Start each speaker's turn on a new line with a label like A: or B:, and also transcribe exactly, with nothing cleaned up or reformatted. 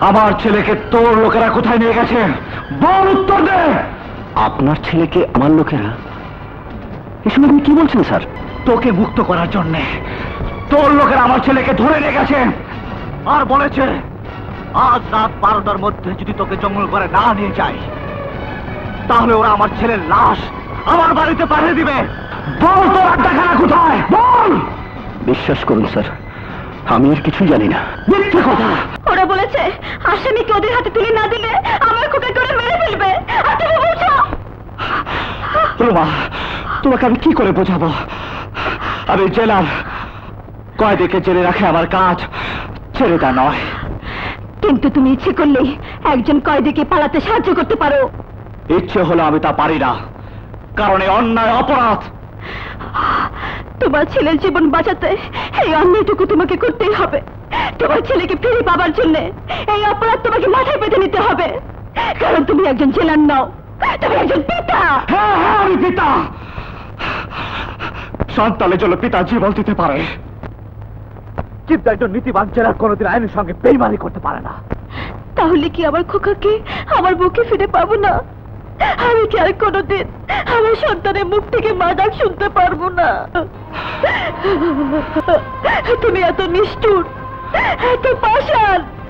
A: আমার ছেলেকে তোর লোকেরা কোথায় নিয়ে গেছে বল, উত্তর দে। আপনার ছেলেকে আমার লোকেরা? এসব আপনি কি বলছেন স্যার? তোকে মুক্ত করার জন্য তোর লোকেরা আমার ছেলেকে ধরে নিয়ে গেছে আর বলেছে আজ রাত বারোটার মধ্যে যদি তোকে জঙ্গল করে না নিয়ে যায় তাহলে ওরা আমার ছেলের লাশ আমার বাড়িতে পাঠিয়ে দিবে। বল তোর আড্ডাখানা কোথায় বল। বিশ্বাস করুন স্যার, আমি আর কিছু জানি না। মিথ্যে কথা।
B: ওরা বলেছে আসামিকে ওদের হাতে তুলে না দিলে আমার খোকা করে মেরে ফেলবে। আর তুমি বলছো?
A: রোমা, তোমাকে আমি কি করে বোঝাবো? আমি জেলার কয়েদিকে জেলে রাখে আমার কাজ, ছেড়ে তা নয়।
B: কিন্তু তুমি ইচ্ছে করলেই একজন কয়েদিকে পালাতে সাহায্য করতে পারো।
A: ইচ্ছে হলো আমি তা পারি না, কারণ এই অন্যায় অপরাধ।
B: তোমার ছেলের জীবন বাঁচাতে এই অন্যায়টুকু তোমাকে করতেই হবে। তোমার ছেলেকে ফিরে পাবার জন্য এই অপরাধ তোমাকে মাথায় পেতে নিতে হবে, কারণ তুমি একজন জেলার নও, তুমি একজন পিতা।
A: হ্যাঁ হ্যাঁ আমি পিতা। সন্তানের জন্য পিতা জীবন দিতে পারে, কিন্তু একজন নীতিবান জেলার কোনোদিন আইনের সঙ্গে বেইমানি করতে পারে না।
B: তাহলে কি আমার খোকাকে আমার বুকে ফিরে পাবো না? আমি কি আর কোনোদিন আমার সন্তানের মুখ থেকে মা ডাক শুনতে পারবো না? তুমি এত নিষ্ঠুর, এত পাষাণ।